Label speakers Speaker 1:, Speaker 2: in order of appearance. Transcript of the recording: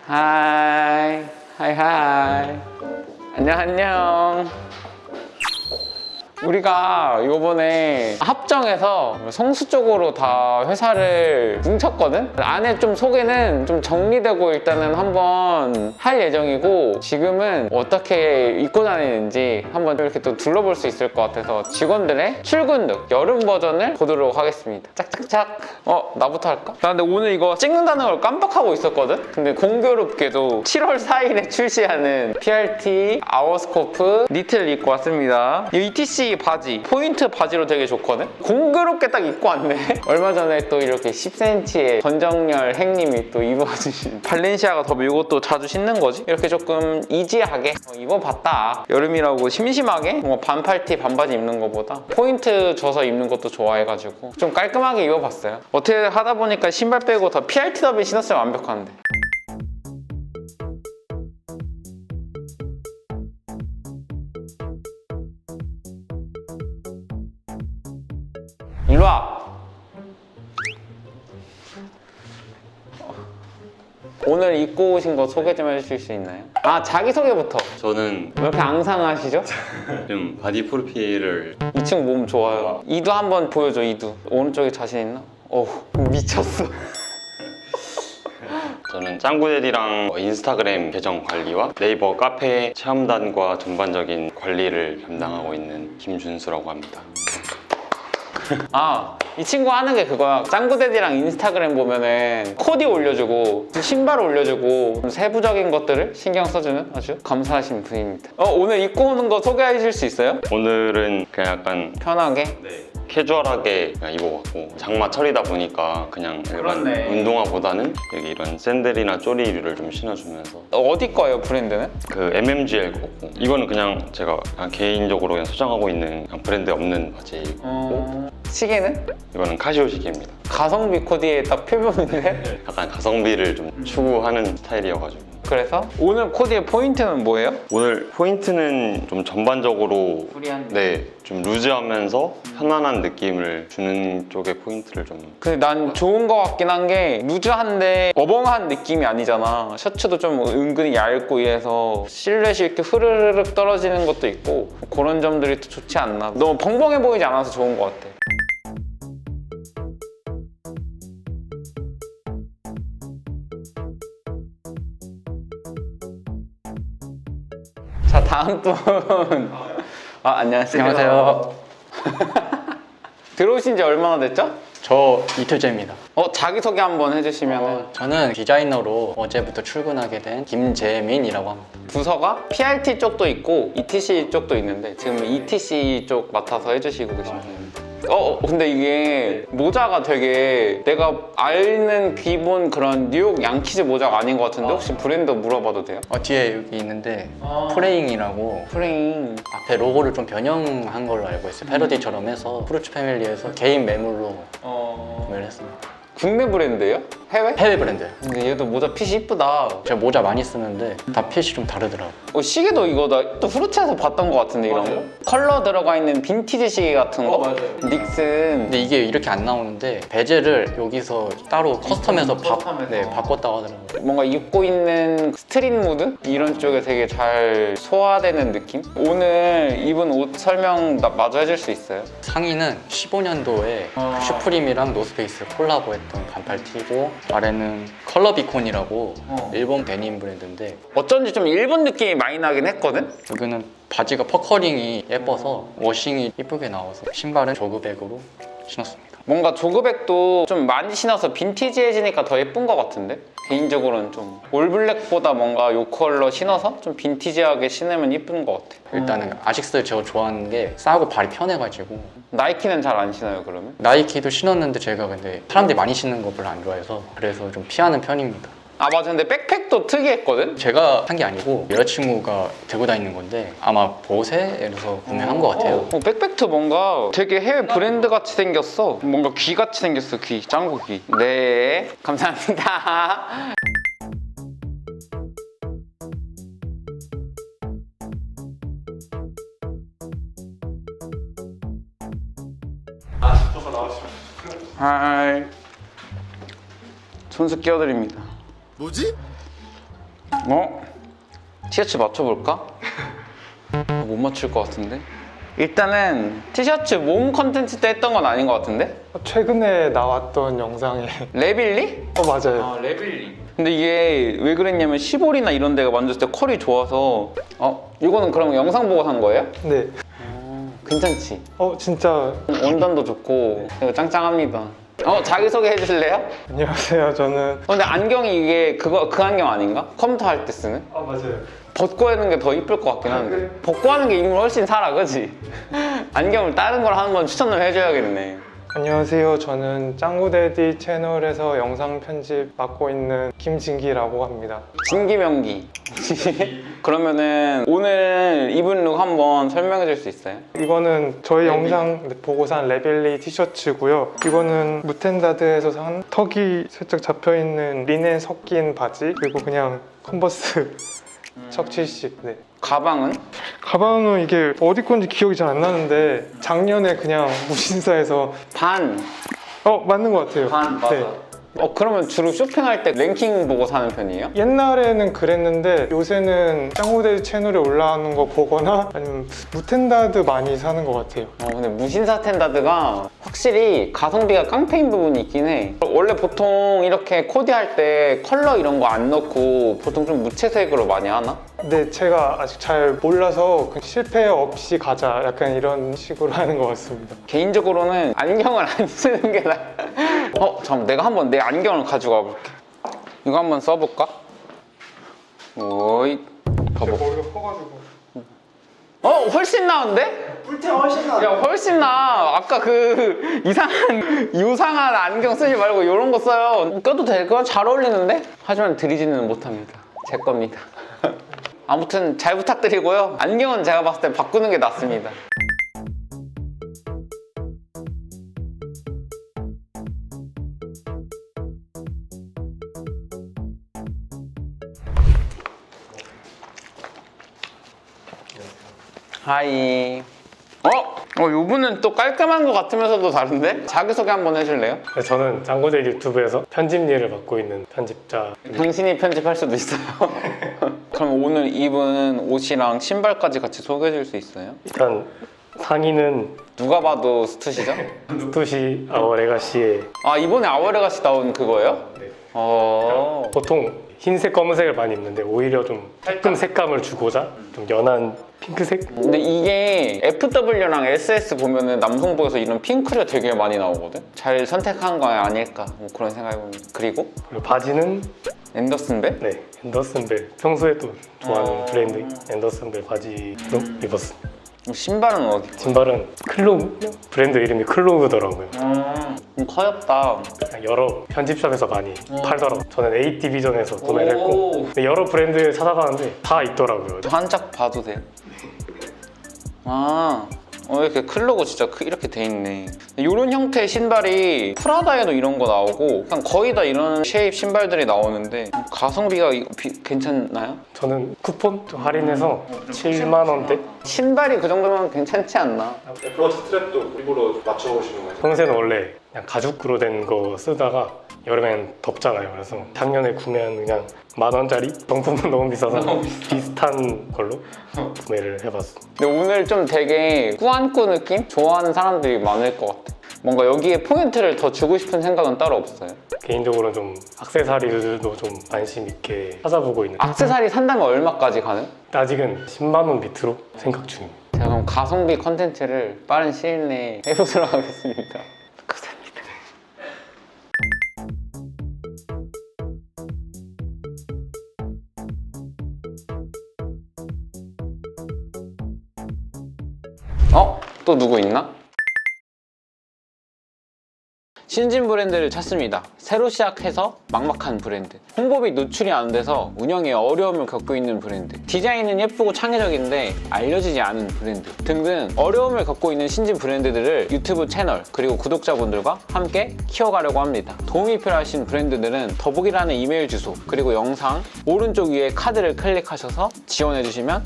Speaker 1: 하이 하이 하이. 안녕 안녕. 우리가 요번에 합정에서 성수 쪽으로 다 회사를 뭉쳤거든? 안에 좀 소개는 좀 정리되고 일단은 한번 할 예정이고, 지금은 어떻게 입고 다니는지 한번 이렇게 또 둘러볼 수 있을 것 같아서 직원들의 출근룩 여름 버전을 보도록 하겠습니다. 짝짝짝. 나부터 할까? 나 근데 오늘 이거 찍는다는 걸 깜빡하고 있었거든? 근데 공교롭게도 7월 4일에 출시하는 PRT 아워스코프 니트를 입고 왔습니다. 이 ETC 바지, 포인트 바지로 되게 좋거든? 공교롭게 딱 입고 왔네. 얼마 전에 또 이렇게 10cm의 전정열 행님이 또 입어주신 발렌시아가 더 이것도 자주 신는 거지? 이렇게 조금 이지하게 입어봤다. 여름이라고 심심하게 뭔가 반팔티 반바지 입는 것보다 포인트 줘서 입는 것도 좋아해가지고 좀 깔끔하게 입어봤어요. 어떻게 하다 보니까 신발 빼고 다 PRT 더비 신었으면 완벽한데. 일로와! 오늘 입고 오신 거 소개 좀 해주실 수 있나요? 자기소개부터.
Speaker 2: 저는
Speaker 1: 왜 이렇게 앙상하시죠?
Speaker 2: 좀 바디 프로필을
Speaker 1: 이 친구 몸 좋아요. 이두 한번 보여줘, 이두. 오른쪽에 자신 있나? 미쳤어.
Speaker 2: 저는 짱구데디랑 인스타그램 계정 관리와 네이버 카페 체험단과 전반적인 관리를 담당하고 있는 김준수라고 합니다.
Speaker 1: 이 친구 하는 게 그거야. 짱구데디랑 인스타그램 보면은 코디 올려주고 신발 올려주고 세부적인 것들을 신경 써주는 아주 감사하신 분입니다. 오늘 입고 오는 거 소개해 줄 수 있어요?
Speaker 2: 오늘은 그냥 약간
Speaker 1: 편하게?
Speaker 2: 캐주얼하게 그냥 입어봤고, 장마철이다 보니까 그냥 일반
Speaker 1: 그렇네.
Speaker 2: 운동화보다는 여기 이런 샌들이나 쪼리류를 좀 신어주면서
Speaker 1: 어디 거예요, 브랜드는?
Speaker 2: 그 MMGL 거고, 이거는 그냥 제가 그냥 개인적으로 그냥 소장하고 있는 그냥 브랜드 없는 바지고,
Speaker 1: 시계는?
Speaker 2: 이거는 카시오 시계입니다.
Speaker 1: 가성비 코디에 딱 표본인데?
Speaker 2: 약간 가성비를 좀 추구하는 스타일이어가지고.
Speaker 1: 그래서 오늘 코디의 포인트는 뭐예요?
Speaker 2: 오늘 포인트는 좀 전반적으로 좀 루즈하면서 편안한 느낌을 주는 쪽의 포인트를 좀.
Speaker 1: 근데 난 좋은 거 같긴 한 게 루즈한데 어벙한 느낌이 아니잖아. 셔츠도 좀 은근히 얇고 이래서 실루엣이 이렇게 흐르륵 떨어지는 것도 있고, 그런 점들이 또 좋지 않나. 너무 벙벙해 보이지 않아서 좋은 것 같아. 자, 다음 분. 안녕하세요.
Speaker 3: 안녕하세요.
Speaker 1: 들어오신 지 얼마나 됐죠?
Speaker 3: 저 이틀째입니다.
Speaker 1: 자기소개 한번 해주시면.
Speaker 3: 저는 디자이너로 어제부터 출근하게 된 김재민이라고 합니다.
Speaker 1: 부서가 PRT 쪽도 있고 ETC 쪽도 있는데 지금 ETC 쪽 맡아서 해주시고 계십니다. 근데 이게 모자가 되게 내가 아는 기본 그런 뉴욕 양키즈 모자가 아닌 것 같은데 혹시 브랜드 물어봐도 돼요?
Speaker 3: 뒤에 여기 있는데 프레잉이라고
Speaker 1: 프레임.
Speaker 3: 앞에 로고를 좀 변형한 걸로 알고 있어요. 패러디처럼 해서 프루츠 패밀리에서 개인 매물로 구매를 했습니다.
Speaker 1: 국내 브랜드예요? 해외?
Speaker 3: 해외 브랜드예요.
Speaker 1: 근데 얘도 모자 핏이 이쁘다.
Speaker 3: 제가 모자 많이 쓰는데 다 핏이 좀 다르더라고요.
Speaker 1: 시계도 이거 나 또 후르츠에서 봤던 것 같은데 이런 거? 컬러 들어가 있는 빈티지 시계 같은 거?
Speaker 3: 맞아요.
Speaker 1: 닉슨.
Speaker 3: 근데 이게 이렇게 안 나오는데 베젤을 여기서 따로 커스텀해서 바꿨다고 하더라고요.
Speaker 1: 뭔가 입고 있는 스트릿 무드? 이런 쪽에 되게 잘 소화되는 느낌? 오늘 입은 옷 설명 마저 해줄 수 있어요?
Speaker 3: 상의는 15년도에 슈프림이랑 노스페이스 콜라보했던 반팔 티고, 아래는 컬러비콘이라고 일본 데님 브랜드인데,
Speaker 1: 어쩐지 좀 일본 느낌이 많이 나긴 했거든?
Speaker 3: 여기는 바지가 퍼커링이 예뻐서 워싱이 예쁘게 나와서, 신발은 조그백으로 신었습니다.
Speaker 1: 뭔가 조그백도 좀 많이 신어서 빈티지해지니까 더 예쁜 것 같은데? 개인적으로는 좀 올블랙보다 뭔가 요 컬러 신어서 좀 빈티지하게 신으면 예쁜 것 같아.
Speaker 3: 일단은 아식스 제가 좋아하는 게 싸고 발이 편해가지고.
Speaker 1: 나이키는 잘 안 신어요, 그러면?
Speaker 3: 나이키도 신었는데 제가 근데 사람들이 많이 신는 거 별로 안 좋아해서 그래서 좀 피하는 편입니다.
Speaker 1: 맞아. 근데 백팩도 특이했거든?
Speaker 3: 제가 산 게 아니고 여자친구가 들고 다니는 건데 아마 보세에서 구매한 것 같아요.
Speaker 1: 백팩도 뭔가 되게 해외 브랜드 같이 생겼어. 뭔가 귀 같이 생겼어, 귀. 짱구 귀. 네, 감사합니다.
Speaker 4: 싶어서 나와주시면.
Speaker 1: 하이. 손수 끼워드립니다.
Speaker 4: 뭐지?
Speaker 1: 티셔츠 맞춰볼까? 못 맞출 것 같은데? 일단은 티셔츠 몸 컨텐츠 때 했던 건 아닌 것 같은데?
Speaker 4: 최근에 나왔던 영상에
Speaker 1: 레빌리?
Speaker 4: 맞아요.
Speaker 1: 레빌리. 근데 이게 왜 그랬냐면 시볼이나 이런 데가 만졌을 때 컬이 좋아서 이거는 그럼 영상 보고 산 거예요?
Speaker 4: 네.
Speaker 1: 괜찮지?
Speaker 4: 진짜
Speaker 1: 원단도 좋고 이거 짱짱합니다. 자기소개 해주실래요?
Speaker 4: 안녕하세요. 저는
Speaker 1: 근데 안경이 이게 그 안경 아닌가? 컴퓨터 할 때 쓰는?
Speaker 4: 맞아요.
Speaker 1: 벗고 하는 게 더 이쁠 것 같긴 한데 벗고 하는 게 인물 훨씬 살아, 그치? 안경을 다른 걸 하는 건 추천 좀 해줘야겠네.
Speaker 4: 안녕하세요. 저는 짱구데디 채널에서 영상 편집 맡고 있는 김진기라고 합니다.
Speaker 1: 진기명기. 그러면은 오늘 입은 룩 한번 설명해 줄 수 있어요?
Speaker 4: 이거는 저희 영상 보고 산 레빌리 티셔츠고요. 이거는 무텐다드에서 산 턱이 살짝 잡혀있는 리넨 섞인 바지, 그리고 그냥 컨버스 척칠식. 네.
Speaker 1: 가방은?
Speaker 4: 가방은 이게 어디 건지 기억이 잘 안 나는데 작년에 그냥 무신사에서
Speaker 1: 반.
Speaker 4: 맞는 것 같아요.
Speaker 1: 맞아.
Speaker 4: 네.
Speaker 1: 그러면 주로 쇼핑할 때 랭킹 보고 사는 편이에요?
Speaker 4: 옛날에는 그랬는데 요새는 짱구데디 채널에 올라오는 거 보거나 아니면 무텐다드 많이 사는 것 같아요.
Speaker 1: 근데 무신사 텐다드가 확실히 가성비가 깡패인 부분이 있긴 해. 원래 보통 이렇게 코디할 때 컬러 이런 거 안 넣고 보통 좀 무채색으로 많이 하나?
Speaker 4: 근데 제가 아직 잘 몰라서 실패 없이 가자 약간 이런 식으로 하는 것 같습니다.
Speaker 1: 개인적으로는 안경을 안 쓰는 게 나아. 잠깐 내가 한번 내 안경을 가져가 볼게. 이거 한번 써볼까? 오이. 봐봐.
Speaker 4: 머리가 커가지고.
Speaker 1: 훨씬 나은데?
Speaker 4: 뿔테 훨씬 나.
Speaker 1: 야, 훨씬 나. 아까 그 유상한 안경 쓰지 말고 이런 거 써요. 껴도 될까? 잘 어울리는데? 하지만 드리지는 못합니다. 제 겁니다. 아무튼 잘 부탁드리고요. 안경은 제가 봤을 때 바꾸는 게 낫습니다. 하이. 요분은 또 깔끔한 것 같으면서도 다른데? 자기소개 한번 해줄래요?
Speaker 5: 네, 저는 짱구데디 유튜브에서 편집 일을 맡고 있는 편집자.
Speaker 1: 당신이 편집할 수도 있어요. 그럼 오늘 입은 옷이랑 신발까지 같이 소개해 줄 수 있어요?
Speaker 5: 일단 상의는
Speaker 1: 누가 봐도 스투시죠?
Speaker 5: 스투시 아워레가시의
Speaker 1: 이번에 아워레가시 나온 그거예요?
Speaker 5: 네.
Speaker 1: 보통
Speaker 5: 흰색, 검은색을 많이 입는데 오히려 좀 조금 색감을 주고자 좀 연한 핑크색?
Speaker 1: 근데 이게 FW랑 SS 보면은 남성복에서 이런 핑크가 되게 많이 나오거든? 잘 선택한 거 아닐까 뭐 그런 생각해봅니다. 그리고
Speaker 5: 그리고 바지는
Speaker 1: 앤더슨벨?
Speaker 5: 네, 앤더슨벨. 평소에 또 좋아하는 브랜드 앤더슨벨 바지로 입었습니다.
Speaker 1: 신발은 어디?
Speaker 5: 신발은 클로브? 브랜드 이름이 클로브더라고요.
Speaker 1: 좀 커엽다.
Speaker 5: 여러 편집샵에서 많이 팔더라고요. 저는 A 디비전에서 구매를 했고 근데 여러 브랜드 찾아가는데 다 있더라고요.
Speaker 1: 한 짝 봐도 돼요? 이렇게 클로고 진짜 이렇게 돼 있네. 이런 형태의 신발이 프라다에도 이런 거 나오고 그냥 거의 다 이런 쉐입 신발들이 나오는데 가성비가 괜찮나요?
Speaker 5: 저는 쿠폰 좀 할인해서 7만 원대?
Speaker 1: 신발이 그 정도면 괜찮지 않나?
Speaker 6: 애플워치 스트랩도 일부러 맞춰보시는 거예요?
Speaker 5: 평소에는 원래 그냥 가죽으로 된 거 쓰다가 여름엔 덥잖아요. 그래서 작년에 구매한 그냥 10,000원짜리 정품은 너무 비싸서 비슷한 걸로 구매를 해봤습니다.
Speaker 1: 근데 오늘 좀 되게 꾸안꾸 느낌? 좋아하는 사람들이 많을 것 같아. 뭔가 여기에 포인트를 더 주고 싶은 생각은 따로 없어요.
Speaker 5: 개인적으로 좀 액세서리들도 좀 관심 있게 찾아보고 있는.
Speaker 1: 액세서리 산다면 얼마까지 가능?
Speaker 5: 아직은 10만 원 밑으로 생각 중입니다.
Speaker 1: 제가 그럼 가성비 컨텐츠를 빠른 시일 내에 해보도록 하겠습니다. 감사합니다. 또 누구 있나? 신진 브랜드를 찾습니다. 새로 시작해서 막막한 브랜드. 홍보비 노출이 안 돼서 운영에 어려움을 겪고 있는 브랜드. 디자인은 예쁘고 창의적인데 알려지지 않은 브랜드 등등 어려움을 겪고 있는 신진 브랜드들을 유튜브 채널 그리고 구독자분들과 함께 키워가려고 합니다. 도움이 필요하신 브랜드들은 더보기란의 이메일 주소 그리고 영상 오른쪽 위에 카드를 클릭하셔서 지원해주시면